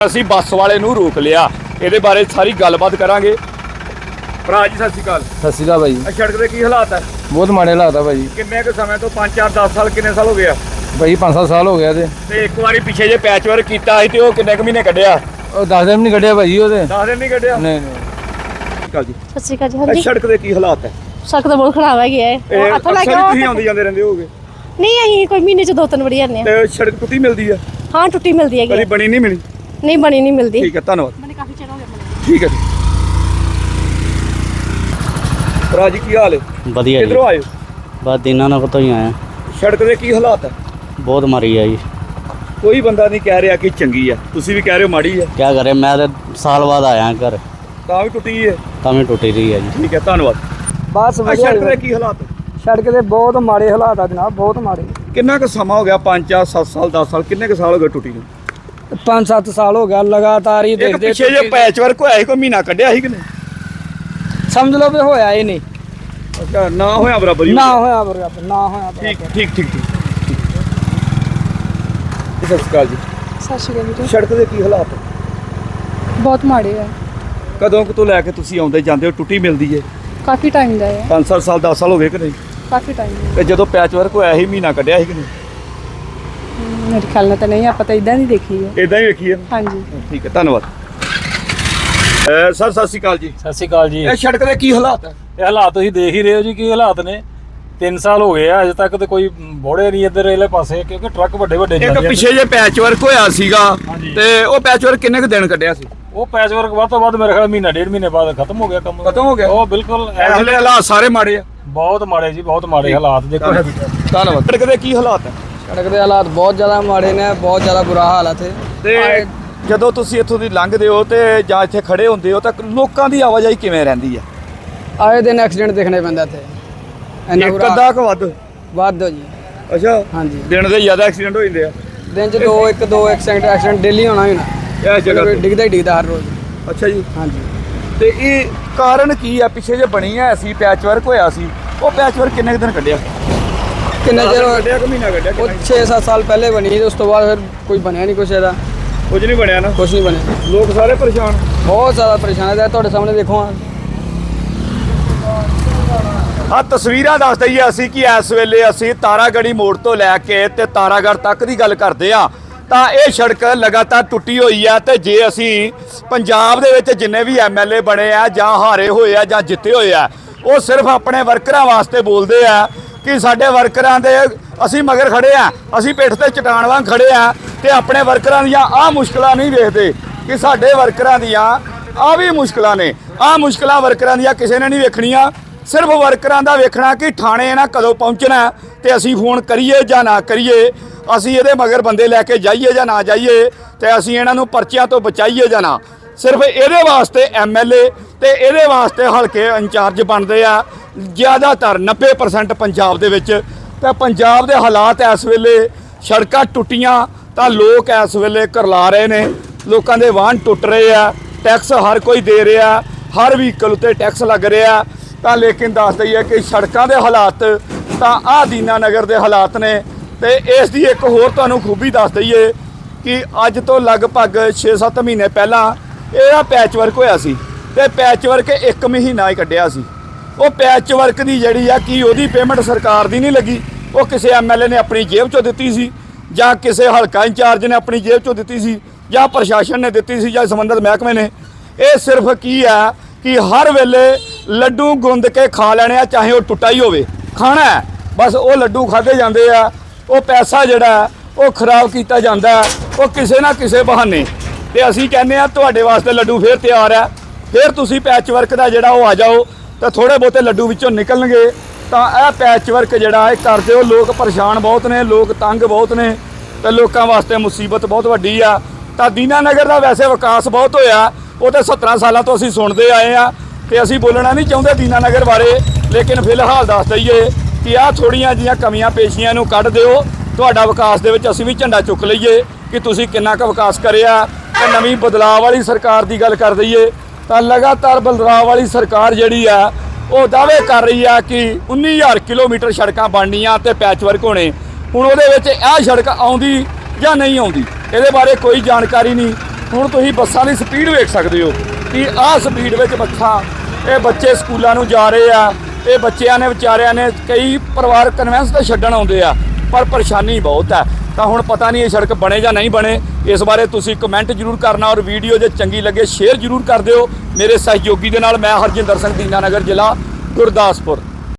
ਅਸੀਂ ਬੱਸ ਵਾਲੇ ਨੂੰ ਰੋਕ ਲਿਆ, ਇਹਦੇ ਬਾਰੇ ਸਾਰੀ ਗੱਲਬਾਤ ਕਰਾਂਗੇ। ਭਰਾ ਜੀ ਸਤਿ ਸ਼੍ਰੀ ਅਕਾਲ। ਸਤਿ ਸ਼੍ਰੀ ਅਕਾਲ ਭਾਈ। ਸੜਕ ਦੇ ਕੀ ਹਾਲਾਤ ਹੈ? ਬਹੁਤ ਮਾੜੇ ਹਾਲਾਤ ਆ ਭਾਈ। ਕਿੰਨੇ ਕੁ ਸਮੇਂ ਤੋਂ 5 4 10 ਸਾਲ ਕਿੰਨੇ ਸਾਲ ਹੋ ਗਏ ਆ? ਭਾਈ 5-7 ਸਾਲ ਹੋ ਗਿਆ ਤੇ ਇੱਕ ਵਾਰੀ ਪਿੱਛੇ ਜੇ ਪੈਚ ਵਰਕ ਕੀਤਾ ਸੀ ਤੇ ਉਹ ਕਿੰਨੇ ਕੁ ਮਹੀਨੇ ਕੱਢਿਆ? ਉਹ 10 ਦਿਨ ਨਹੀਂ ਕੱਢਿਆ ਭਾਈ ਉਹਦੇ। 10 ਦਿਨ ਨਹੀਂ ਕੱਢਿਆ? ਨਹੀਂ ਜੀ ਸਤਿ ਸ਼੍ਰੀ ਅਕਾਲ ਜੀ। ਹਾਂਜੀ ਸੜਕ ਦੇ ਕੀ ਹਾਲਾਤ ਹੈ? ਸੜਕ ਤਾਂ ਬਹੁਤ ਖਰਾਬ ਹੈਗੀ ਹੈ। ਇਹ ਹੱਥੋਂ ਲੈ ਕੇ ਅਕਸਰ ਤੁਸੀਂ ਆਉਂਦੇ ਜਾਂਦੇ ਰਹਿੰਦੇ ਹੋਗੇ? ਨਹੀਂ ਅਸੀਂ ਕੋਈ ਮਹੀਨੇ ਚ 2-3 ਵਾਰੀ ਆਉਂਦੇ ਹਾਂ। ਤੇ ਸੜਕ ਟੁੱਟੀ ਮਿਲਦੀ ਆ? ਹਾਂ ਟੁੱਟੀ ਮਿਲਦੀ ਹੈਗੀ ਕਦੀ ਬਣੀ ਨਹੀਂ ਮਿਲੀ? ਨਹੀਂ ਬਣੀ ਨਹੀਂ ਮਿਲਦੀ। ਠੀਕ ਹੈ, ਧੰਨਵਾਦ। ਮੈਨੂੰ ਕਾਫੀ ਚਿਰ ਹੋ ਗਿਆ ਬਣੀ। ਠੀਕ ਹੈ ਜੀ। ਭਰਾ ਜੀ ਕੀ ਹਾਲ ਹੈ? ਵਧੀਆ ਜੀ। ਕਿੱਧਰੋਂ ਆਏ ਹੋ? ਬਸ ਦਿਨਾਂ ਨਾਲ ਤੋਂ ਹੀ ਆਇਆ। ਸੜਕ ਦੇ ਕੀ ਹਾਲਾਤ ਹੈ? ਬਹੁਤ ਮਾਰੀ ਆ ਜੀ। ਕੋਈ ਬੰਦਾ ਨਹੀਂ ਕਹਿ ਰਿਹਾ ਕਿ ਚੰਗੀ ਆ, ਤੁਸੀਂ ਵੀ ਕਹਿ ਰਹੇ ਹੋ ਮਾੜੀ ਆ। ਕੀ ਕਰੇ, ਮੈਂ ਤੇ ਸਾਲ ਬਾਅਦ ਆਇਆ ਘਰ, ਤਾਂ ਵੀ ਟੁੱਟੀ ਹੈ? ਤਾਂ ਵੀ ਟੁੱਟੀ ਰਹੀ ਹੈ ਜੀ। ਠੀਕ ਹੈ, ਧੰਨਵਾਦ। ਬਸ ਵਧੀਆ। ਸੜਕ ਦੇ ਕੀ ਹਾਲਾਤ ਹੈ? ਸੜਕ ਦੇ ਬਹੁਤ ਮਾੜੇ ਹਾਲਾਤ ਆ ਜਨਾਬ, ਬਹੁਤ ਮਾੜੇ। ਕਿੰਨਾ ਕੁ ਸਮਾਂ ਹੋ ਗਿਆ? 5 4 7 ਸਾਲ 10 ਸਾਲ ਕਿੰਨੇ ਕੁ ਸਾਲ ਹੋ ਗਏ ਟੁੱਟੀ ਨੂੰ? 5-7 ਸਾਲ ਹੋ ਗਿਆ ਲਗਾਤਾਰ ਹੀ ਇੱਕ ਦੇਖਦੇ। ਪਿੱਛੇ ਜੇ ਪੈਚ ਵਰਕ ਹੋਇਆ ਸੀ, ਕੋਈ ਮਹੀਨਾ ਕੱਢਿਆ ਸੀ ਕਿ ਨਹੀਂ? ਸਮਝ ਲਓ ਵੀ ਹੋਇਆ ਹੀ ਨਹੀਂ। ਅੱਛਾ, ਨਾ ਹੋਇਆ ਬਰਾਬਰ ਹੀ ਨਾ ਹੋਇਆ ਬਰਾਬਰ, ਨਾ ਹੋਇਆ ਠੀਕ ਬਰਾਬਰ। ਠੀਕ ਠੀਕ ਠੀਕ। ਸਤਿ ਸ਼੍ਰੀ ਅਕਾਲ ਜੀ। ਸਤਿ ਸ਼੍ਰੀ ਅਕਾਲ ਵੀਰੇ। ਸੜਕ ਦੇ ਕੀ ਹਾਲਾਤ ਹੈ? ਬਹੁਤ ਮਾੜੇ ਆ। ਕਦੋਂ ਕੁ ਤੋਂ ਲੈ ਕੇ ਤੁਸੀਂ ਆਉਂਦੇ ਜਾਂਦੇ ਹੋ ਟੁੱਟੀ ਮਿਲਦੀ ਹੈ? ਕਾਫੀ ਟਾਈਮ ਦਾ ਹੈ। 5 7 ਸਾਲ 10 ਸਾਲ ਹੋ ਗਏ ਕਿ ਨਹੀਂ? ਕਾਫੀ ਟਾਈਮ ਦਾ। ਤੇ ਜਦੋਂ ਪੈਚ ਵਰਕ ਹੋਇਆ ਸੀ ਮਹੀਨਾ ਕੱਢਿਆ ਸੀ ਕਿ ਨਹੀਂ? ਮੇਰੇ ਖਿਆਲ ਨਾਲ ਤਾਂ ਨਹੀਂ, ਆਪਾਂ ਤਾਂ ਇਦਾਂ ਨਹੀਂ ਦੇਖੀ ਹੈ। ਇਦਾਂ ਹੀ ਵੇਖੀ ਹੈ? ਹਾਂਜੀ। ਠੀਕ ਹੈ, ਧੰਨਵਾਦ। ਸਰ ਸਤਿ ਸ਼੍ਰੀ ਅਕਾਲ ਜੀ। ਸਤਿ ਸ਼੍ਰੀ ਅਕਾਲ ਜੀ। ਇਹ ਸੜਕ ਦੇ ਕੀ ਹਾਲਾਤ ਹੈ? ਇਹ ਹਾਲਾਤ ਤੁਸੀਂ ਦੇਖ ਹੀ ਰਹੇ ਹੋ ਜੀ, ਕੀ ਹਾਲਾਤ ਨੇ। 3 ਸਾਲ ਹੋ ਗਏ ਆ, ਅਜੇ ਤੱਕ ਤੇ ਕੋਈ ਬੋੜੇ ਨਹੀਂ ਇੱਧਰ ਇਹਲੇ ਪਾਸੇ, ਕਿਉਂਕਿ ਟਰੱਕ ਵੱਡੇ ਇੱਕ ਜਾਂਦੇ ਆ। ਪਿੱਛੇ ਜੇ ਪੈਚ ਵਰਕ ਹੋਇਆ ਸੀਗਾ ਹਾਂਜੀ। ਤੇ ਉਹ ਪੈਚ ਵਰਕ ਕਿੰਨੇ ਕੁ ਦਿਨ ਕੱਢਿਆ ਸੀ? ਉਹ ਪੈਚ ਵਰਕ ਵੱਧ ਤੋਂ ਵੱਧ ਮੇਰੇ ਖਿਆਲ ਮਹੀਨਾ 1.5 ਮਹੀਨੇ ਬਾਅਦ ਖਤਮ ਹੋ ਗਿਆ ਕੰਮ। ਖਤਮ ਹੋ ਗਿਆ? ਉਹ ਬਿਲਕੁਲ ਐਸਲੇ ਹਾਲਾਤ ਸਾਰੇ ਮਾੜੇ ਆ। ਬਹੁਤ ਮਾੜੇ ਜੀ, ਬਹੁਤ ਮਾੜੇ ਹਾਲਾਤ ਦੇਖੋ। ਧੰਨਵਾਦ। ਸੜਕ ਦੇ ਕੀ ਹਾਲਾਤ ਹੈ? ਸੜਕ ਦੇ ਹਾਲਾਤ ਬਹੁਤ ਜ਼ਿਆਦਾ ਮਾੜੇ ਨੇ, ਬਹੁਤ ਜ਼ਿਆਦਾ ਬੁਰਾ ਹਾਲ ਹੈ ਇੱਥੇ। ਤੇ ਜਦੋਂ ਤੁਸੀਂ ਇੱਥੋਂ ਦੀ ਲੰਘਦੇ ਹੋ ਤੇ ਜਾਂ ਇੱਥੇ ਖੜੇ ਹੁੰਦੇ ਹੋ ਤਾਂ ਲੋਕਾਂ ਦੀ ਆਵਾਜਾਈ ਕਿਵੇਂ ਰਹਿੰਦੀ ਹੈ? ਆਏ ਦਿਨ ਐਕਸੀਡੈਂਟ ਦੇਖਣੇ ਪੈਂਦਾ ਇੱਥੇ। ਇੰਨਾ ਇੱਕ ਬੁਰਾ ਅੱਧਾ ਕੁ ਵੱਧ? ਵੱਧ ਜੀ। ਅੱਛਾ, ਹਾਂਜੀ। ਦਿਨ ਦੇ ਜ਼ਿਆਦਾ ਐਕਸੀਡੈਂਟ ਹੋ ਜਾਂਦੇ ਆ? ਦਿਨ ਚ 2 ਐਕਸੀਡੈਂਟ ਡੇਲੀ ਹੋਣਾ ਹੀ ਹੋਣਾ। ਇਸ ਜਗ੍ਹਾ ਤੇ? ਡਿੱਗਦਾ ਹੀ ਡਿੱਗਦਾ ਹਰ ਰੋਜ਼। ਅੱਛਾ ਜੀ। ਹਾਂਜੀ। ਤੇ ਇਹ ਕਾਰਨ ਕੀ ਆ? ਪਿੱਛੇ ਜੇ ਬਣੀ ਐ ਸੀ ਪੈਚ ਵਰਕ ਹੋਇਆ ਸੀ, ਉਹ ਪੈਚ ਵਰਕ ਕਿੰਨੇ ਕੁ ਦਿਨ ਕੱਢਿਆ? ਕਿੰਨਾ ਚਿਰ ਕੱਢਿਆ ਕਿ ਮਹੀਨਾ ਕੱਢਿਆ? ਉਹ 6-7 ਸਾਲ ਪਹਿਲੇ ਬਣੀ ਤੇ ਉਸ ਤੋਂ ਬਾਅਦ ਫਿਰ ਕੋਈ ਬਣਿਆ ਨਹੀਂ ਕੁਛ ਇਹਦਾ। ਕੁਝ ਨਹੀਂ ਬਣਿਆ ਨਾ? ਕੁਛ ਨਹੀਂ ਬਣਿਆ। ਲੋਕ ਸਾਰੇ ਪਰੇਸ਼ਾਨ। ਬਹੁਤ ਜ਼ਿਆਦਾ ਪਰੇਸ਼ਾਨ ਹੈ। ਤੁਹਾਡੇ ਸਾਹਮਣੇ ਦੇਖੋ ਆ ਤਸਵੀਰਾਂ ਦੱਸ ਦਈਏ ਅਸੀਂ ਕਿ ਇਸ ਵੇਲੇ ਅਸੀਂ ਤਾਰਾਗੜ੍ਹੀ ਮੋੜ ਤੋਂ ਲੈ ਕੇ ਤੇ ਤਾਰਾਗੜ੍ਹ ਤੱਕ ਦੀ ਗੱਲ ਕਰਦੇ ਆ ਤਾਂ ਇਹ ਸੜਕ ਲਗਾਤਾਰ ਟੁੱਟੀ ਹੋਈ ਆ। ਤੇ ਜੇ ਅਸੀਂ ਪੰਜਾਬ ਦੇ ਵਿੱਚ ਜਿੰਨੇ ਵੀ ਐਮਐਲਏ ਬਣੇ ਆ ਜਾਂ ਹਾਰੇ ਹੋਏ ਆ ਜਾਂ ਜਿੱਤੇ ਹੋਏ ਆ, ਉਹ ਸਿਰਫ ਆਪਣੇ ਵਰਕਰਾਂ ਵਾਸਤੇ ਬੋਲਦੇ ਆ ਕਿ ਸਾਡੇ ਵਰਕਰਾਂ ਦੇ ਅਸੀਂ ਮਗਰ ਖੜੇ ਆ, ਅਸੀਂ ਪਿੱਠ ਤੇ ਚਟਾਨ ਵਾਂਗ ਖੜੇ ਆ, ਤੇ ਆਪਣੇ ਵਰਕਰਾਂ ਦੀਆਂ ਆਹ ਮੁਸ਼ਕਲਾਂ ਨਹੀਂ ਵੇਖਦੇ ਕਿ ਸਾਡੇ ਵਰਕਰਾਂ ਦੀਆਂ ਆਹ ਵੀ ਮੁਸ਼ਕਲਾਂ ਨੇ। ਆਹ ਮੁਸ਼ਕਲਾਂ ਵਰਕਰਾਂ ਦੀਆਂ ਕਿਸੇ ਨੇ ਨਹੀਂ ਵੇਖਣੀਆਂ, ਸਿਰਫ ਵਰਕਰਾਂ ਦਾ ਵੇਖਣਾ ਕਿ ਥਾਣੇ ਇਹਨਾਂ ਕਦੋਂ ਪਹੁੰਚਣਾ ਤੇ ਅਸੀਂ ਫੋਨ ਕਰੀਏ ਜਾਂ ਨਾ ਕਰੀਏ, ਅਸੀਂ ਇਹਦੇ ਮਗਰ ਬੰਦੇ ਲੈ ਕੇ ਜਾਈਏ ਜਾਂ ਨਾ ਜਾਈਏ, ਤੇ ਅਸੀਂ ਇਹਨਾਂ ਨੂੰ ਪਰਚਿਆਂ ਤੋਂ ਬਚਾਈਏ ਜਾਂ ਨਾ। ਸਿਰਫ ਇਹਦੇ ਵਾਸਤੇ ਐਮਐਲਏ ਤੇ ਇਹਦੇ ਵਾਸਤੇ ਹਲਕੇ ਇੰਚਾਰਜ ਬਣਦੇ ਆ ਜ਼ਿਆਦਾਤਰ 90% ਪੰਜਾਬ ਦੇ ਵਿੱਚ। ਤੇ ਪੰਜਾਬ ਦੇ ਹਾਲਾਤ ਇਸ ਵੇਲੇ ਸੜਕਾਂ ਟੁੱਟੀਆਂ ਤਾਂ ਲੋਕ ਇਸ ਵੇਲੇ ਕਰਲਾ ਰਹੇ ਨੇ, ਲੋਕਾਂ ਦੇ ਵਾਹਨ ਟੁੱਟ ਰਹੇ ਆ, ਟੈਕਸ ਹਰ ਕੋਈ ਦੇ ਰਿਹਾ, ਹਰ ਵਹੀਕਲ ਉੱਤੇ ਟੈਕਸ ਲੱਗ ਰਿਹਾ। ਤਾਂ ਲੇਕਿਨ ਦੱਸ ਦਈਏ ਕਿ ਸੜਕਾਂ ਦੇ ਹਾਲਾਤ ਤਾਂ ਆਹ ਦੀਨਾ ਨਗਰ ਦੇ ਹਾਲਾਤ ਨੇ। ਤੇ ਇਸ ਦੀ ਇੱਕ ਹੋਰ ਤੁਹਾਨੂੰ ਖੂਬੀ ਦੱਸ ਦਈਏ ਕਿ ਅੱਜ ਤੋਂ ਲਗਭਗ 6-7 ਮਹੀਨੇ ਪਹਿਲਾਂ ਇਹਦਾ ਪੈਚ ਵਰਕ ਹੋਇਆ ਸੀ ਤੇ ਪੈਚ ਵਰਕ 1 ਮਹੀਨਾ ਹੀ ਕੱਢਿਆ ਸੀ। ਉਹ ਪੈਚ ਵਰਕ ਦੀ ਜਿਹੜੀ ਆ ਕਿ ਉਹਦੀ ਪੇਮੈਂਟ ਸਰਕਾਰ ਦੀ ਨਹੀਂ ਲੱਗੀ, ਉਹ ਕਿਸੇ ਐਮਐਲਏ ਨੇ ਆਪਣੀ ਜੇਬ ਚੋਂ ਦਿੱਤੀ ਸੀ ਜਾਂ ਕਿਸੇ ਹਲਕਾ ਇੰਚਾਰਜ ਨੇ ਆਪਣੀ ਜੇਬ ਚੋਂ ਦਿੱਤੀ ਸੀ ਜਾਂ ਪ੍ਰਸ਼ਾਸਨ ਨੇ ਦਿੱਤੀ ਸੀ ਜਾਂ ਸੰਬੰਧਿਤ ਮਹਿਕਮੇ ਨੇ। ਇਹ ਸਿਰਫ ਕੀ ਆ ਕਿ ਹਰ ਵੇਲੇ ਲੱਡੂ ਗੁੰਦ ਕੇ ਖਾ ਲੈਣੇ ਆ, ਚਾਹੇ ਉਹ ਟੁੱਟਾ ਹੀ ਹੋਵੇ, ਖਾਣਾ ਹੈ ਬਸ। ਉਹ ਲੱਡੂ ਖਾਦੇ ਜਾਂਦੇ ਆ, ਉਹ ਪੈਸਾ ਜਿਹੜਾ ਉਹ ਖਰਾਬ ਕੀਤਾ ਜਾਂਦਾ ਉਹ ਕਿਸੇ ਨਾ ਕਿਸੇ ਬਹਾਨੇ। ਤੇ ਅਸੀਂ ਕਹਿੰਦੇ ਆ ਤੁਹਾਡੇ ਵਾਸਤੇ ਲੱਡੂ ਫੇਰ ਤਿਆਰ ਹੈ, ਫੇਰ ਤੁਸੀਂ ਪੈਚ ਵਰਕ ਦਾ ਜਿਹੜਾ ਉਹ ਆ ਜਾਓ ਤਾਂ ਥੋੜੇ ਬਹੁਤੇ ਲੱਡੂ ਵਿੱਚੋਂ ਨਿਕਲਣਗੇ। ਤਾਂ ਇਹ ਪੈਚ ਵਰਕ ਜਿਹੜਾ ਇਹ ਕਰਦੇ ਹੋ, ਲੋਕ ਪਰੇਸ਼ਾਨ ਬਹੁਤ ਨੇ, ਲੋਕ ਤੰਗ ਬਹੁਤ ਨੇ ਤੇ ਲੋਕਾਂ ਵਾਸਤੇ ਮੁਸੀਬਤ ਬਹੁਤ ਵੱਡੀ ਆ। ਤਾਂ ਦੀਨਾ ਨਗਰ ਦਾ ਵੈਸੇ ਵਿਕਾਸ ਬਹੁਤ ਹੋਇਆ, ਉਹ ਤਾਂ 17 ਸਾਲਾਂ ਤੋਂ ਅਸੀਂ ਸੁਣਦੇ ਆਏ ਆ ਤੇ ਅਸੀਂ ਬੋਲਣਾ ਨਹੀਂ ਚਾਹੁੰਦੇ ਦੀਨਾ ਨਗਰ ਬਾਰੇ, ਲੇਕਿਨ ਫਿਲਹਾਲ ਦੱਸ ਦਈਏ ਕਿ ਆਹ ਥੋੜੀਆਂ ਜਿਹੀਆਂ ਕਮੀਆਂ ਪੇਸ਼ੀਆਂ ਨੂੰ ਕੱਢ ਦਿਓ, ਤੁਹਾਡਾ ਵਿਕਾਸ ਦੇ ਵਿੱਚ ਅਸੀਂ ਵੀ ਝੰਡਾ ਚੁੱਕ ਲਈਏ ਕਿ ਤੁਸੀਂ ਕਿੰਨਾ ਕੁ ਵਿਕਾਸ ਕਰਿਆ। ਤੇ ਨਵੀਂ ਬਦਲਾਅ ਵਾਲੀ ਸਰਕਾਰ ਦੀ ਗੱਲ ਕਰ ਦਈਏ ਤਾਂ ਲਗਾਤਾਰ ਬਦਲਾਅ ਵਾਲੀ ਸਰਕਾਰ ਜਿਹੜੀ ਆ ਉਹ ਦਾਅਵੇ ਕਰ ਰਹੀ ਆ ਕਿ 19,000 ਕਿਲੋਮੀਟਰ ਸੜਕਾਂ ਬਣਨੀਆਂ ਤੇ ਪੈਚ ਵਰਕ ਹੋਣੇ। ਹੁਣ ਉਹਦੇ ਵਿੱਚ ਇਹ ਸੜਕ ਆਉਂਦੀ ਜਾਂ ਨਹੀਂ ਆਉਂਦੀ, ਇਹਦੇ ਬਾਰੇ ਕੋਈ ਜਾਣਕਾਰੀ ਨਹੀਂ। ਹੁਣ ਤੁਸੀਂ ਬੱਸਾਂ ਦੀ ਸਪੀਡ ਵੇਖ ਸਕਦੇ ਹੋ ਕਿ ਆਹ ਸਪੀਡ ਵਿੱਚ ਇਹ ਬੱਚੇ ਸਕੂਲਾਂ ਨੂੰ ਜਾ ਰਹੇ ਆ। ਇਹ ਬੱਚਿਆਂ ਨੇ ਵਿਚਾਰਿਆਂ ਨੇ ਕਈ ਪਰਿਵਾਰ ਕਨਵੈਂਸ ਤੇ ਛੱਡਣ ਆਉਂਦੇ ਆ, ਪਰ ਪਰੇਸ਼ਾਨੀ ਬਹੁਤ ਹੈ। ਤਾਂ ਹੁਣ ਪਤਾ ਨਹੀਂ ਇਹ ਸੜਕ ਬਣੇ ਜਾਂ ਨਹੀਂ ਬਣੇ, ਇਸ ਬਾਰੇ ਤੁਸੀਂ ਕਮੈਂਟ ਜ਼ਰੂਰ ਕਰਨਾ ਔਰ ਵੀਡੀਓ ਜੇ ਚੰਗੀ ਲੱਗੇ ਸ਼ੇਅਰ ਜ਼ਰੂਰ ਕਰ ਦਿਓ। ਮੇਰੇ ਸਹਿਯੋਗੀ ਦੇ ਨਾਲ ਮੈਂ ਹਰਜਿੰਦਰ ਸਿੰਘ, ਦੀਨਾਨਗਰ ਜ਼ਿਲ੍ਹਾ ਗੁਰਦਾਸਪੁਰ।